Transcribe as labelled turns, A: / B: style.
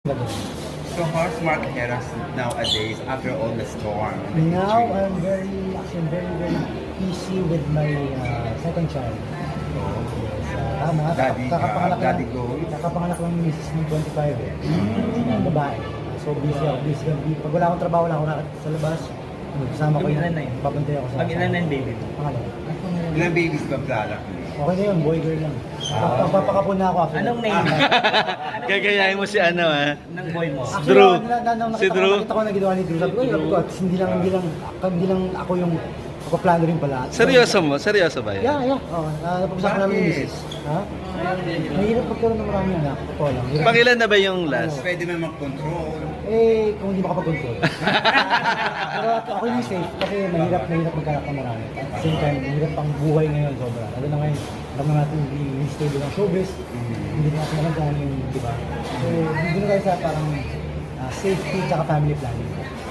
A: So how's Mark Heras nowadays after all the storm?
B: Now I'm very busy with my second child. Yes,
A: Daddy goals?
B: Kakapanganak lang ni Mrs. ng 25 eh. Yung babae. So busy ako. Pag wala akong trabaho, wala akong rakat sa labas. Kasama ko
C: Ilan na yun?
B: Babantay ako sa...
C: Pag-ilan na yung baby mo?
B: Pangalawa.
A: Ilang babies ba product niya?
B: Okay na yun, boy girl lang. Papakapon na ako after.
C: Anong name?
D: Gagayahin mo si ano
C: Ng boy mo?
B: Actually,
D: Drew.
B: Si Drew. Nakita ko na ginawa ni Drew. Sabi ko, hindi lang ako yung plano rin pala.
D: Seryoso ba yan?
B: Yeah. Napag-usapan namin yung misis. Ha? Mahirap pagkaroon ng maraming anak. Totoo lang. Hirap.
D: Pangilan na ba yung last?
A: Pwede mo mag-control.
B: Kung hindi makapag-control. Pero ako yung safe kasi mahirap magkanak ng marami. At the same time, mahirap ang buhay ngayon sobra. Lalo na ngayon, alam na natin yung stable ng showbiz. Hindi na natin magandaan yung, di ba? So, hindi na tayo sa parang safety at family planning.